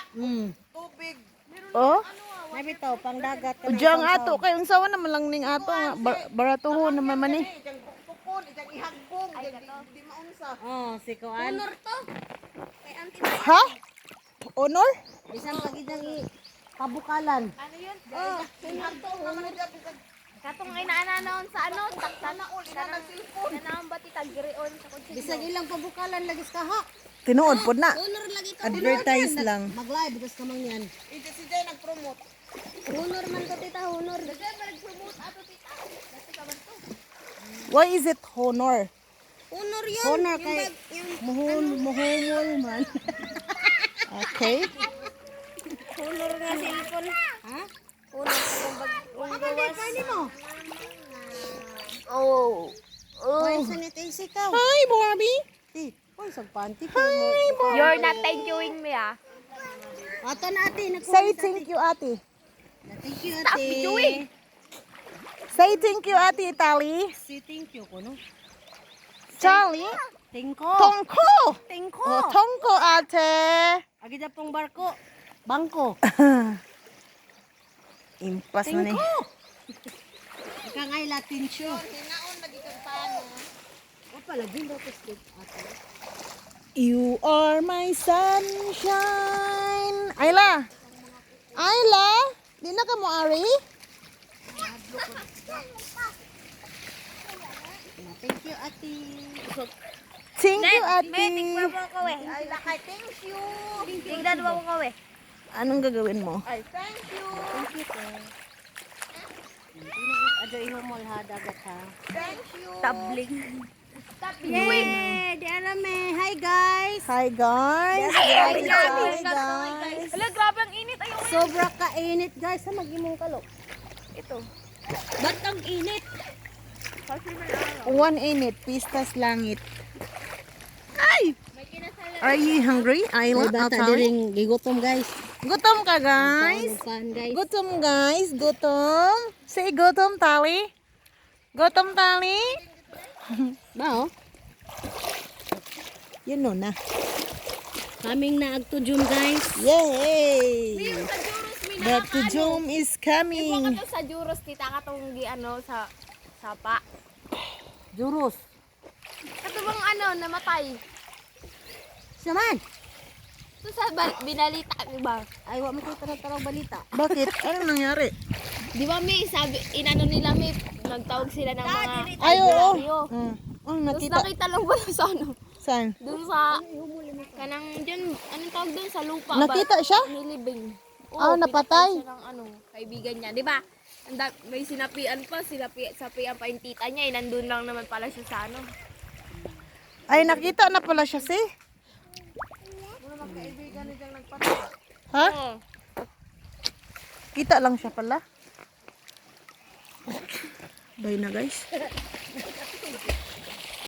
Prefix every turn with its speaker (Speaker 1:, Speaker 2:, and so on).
Speaker 1: Tubig.
Speaker 2: Oh?
Speaker 3: Nabitaw, pang dagat ka
Speaker 2: Udyang ato kay unsawa naman lang ning ato nga baratuho naman man eh.
Speaker 1: Ijang tukon, ijang ihagbong, di maunsa.
Speaker 3: Oh, si Kuan.
Speaker 4: Honor to. Kay auntie.
Speaker 2: Ha? Honor?
Speaker 3: Bisan pagidang pabukalan.
Speaker 4: Ano yun? Oh, honor to. Honor. Katong inaanaon sa ano, taksana ul ina nang cellphone. Nanaon ba ti tagirion sa kotse.
Speaker 3: Bisag ilang pabukalan lagi ka ha.
Speaker 2: Tinuod pod na.
Speaker 4: Honor lagi to.
Speaker 2: Advertise lang.
Speaker 3: Mag-live bigas ka man yan.
Speaker 1: Ija si Jay nag-promote.
Speaker 4: Honor man to tita, honor. Dagay ba nag-promote ato tita? Dati ka ba to?
Speaker 2: Why is it honor?
Speaker 4: Honor yun.
Speaker 3: Honor kay muhumol man.
Speaker 2: Okay.
Speaker 4: Honor nga cellphone.
Speaker 3: Ha?
Speaker 4: Honor kung gawas.
Speaker 3: Kani mo?
Speaker 2: Oh.
Speaker 3: Kuan sanitize ikaw.
Speaker 2: Hi, Barbie.
Speaker 3: Ti, kuan sa panty.
Speaker 4: You're not thank youing me ah.
Speaker 3: Ato na ate,
Speaker 2: Say thank you, ate.
Speaker 3: Thank you
Speaker 4: Stop
Speaker 3: ate.
Speaker 4: videoing.
Speaker 2: Say thank you, ate Tali.
Speaker 3: Si thank you ko no.
Speaker 2: Charlie.
Speaker 3: Tingko.
Speaker 2: Tongko.
Speaker 3: Tingko.
Speaker 2: Oh, tongko, ate.
Speaker 3: Agi na pong barko. Bangko.
Speaker 2: Impas na ni.
Speaker 3: Tingko. Ika ngay Latin show.
Speaker 1: Hinaon lagi kang paano.
Speaker 3: O pala, din daw ko stick ate.
Speaker 2: You are my sunshine. Ayla. Ayla. Di na ka mo, Ari?
Speaker 3: Thank you ate.
Speaker 2: Thank you, ate.
Speaker 4: Tingnan mo ko eh.
Speaker 1: Ay, lakay, thank you.
Speaker 4: Tingnan mo ko eh.
Speaker 2: Anong gagawin mo?
Speaker 1: Ay, thank you.
Speaker 3: Thank you te. Ado ihumol ha dagat ha.
Speaker 1: Thank you.
Speaker 4: Tabling. Stop
Speaker 3: Yay! Di alam eh. Hi guys.
Speaker 2: Hi, guys.
Speaker 4: Hi,
Speaker 2: Hi,
Speaker 4: guys.
Speaker 2: guys.
Speaker 4: Hala, grabe ang init. Ayaw.
Speaker 3: Sobra kainit guys. Sa mag-imong kalok.
Speaker 4: Ito.
Speaker 3: Ba't ang init?
Speaker 2: One init, pistas langit. Ay! Are you hungry, Ayla?
Speaker 3: May bata
Speaker 2: Atali?
Speaker 3: diring gigutom guys.
Speaker 2: Gutom ka, guys?
Speaker 3: Pan guys.
Speaker 2: Gutom, guys. Gutom. Say gutom, Tali. Gutom, Tali.
Speaker 3: Ba oh?
Speaker 2: Yun no na.
Speaker 3: Kaming na agtujum guys.
Speaker 2: Yay!
Speaker 4: Sa Juros,
Speaker 2: The Tujum is
Speaker 4: Ipo
Speaker 2: coming.
Speaker 4: ka to sa Juros, tita ka tong ano sa sapa.
Speaker 3: Juros.
Speaker 4: Kato bang ano, namatay.
Speaker 3: Saman.
Speaker 4: Ito sa binalita, di ba?
Speaker 3: Ay, wa mo ko tarong balita.
Speaker 2: Bakit? Anong nangyari?
Speaker 4: Di ba, may sabi, inano nila, may nagtawag sila ng mga
Speaker 2: Ay, oo.
Speaker 4: albularyo.
Speaker 2: Oh,
Speaker 4: Tapos
Speaker 2: nakita.
Speaker 4: nakita lang ba sa ano?
Speaker 2: Saan?
Speaker 4: Doon sa, kanang dyan, anong tawag doon sa lupa ba?
Speaker 2: Nakita siya?
Speaker 4: Nilibing.
Speaker 2: Ah, napatay.
Speaker 4: Siya ng ano, kaibigan niya, di ba? May sinapian pa, sapian pa yung tita niya, nandun lang naman pala siya sa ano.
Speaker 2: Ay, nakita na pala siya, si. Ha?
Speaker 4: Oo.
Speaker 2: Kita lang siya pala. Bye na, guys.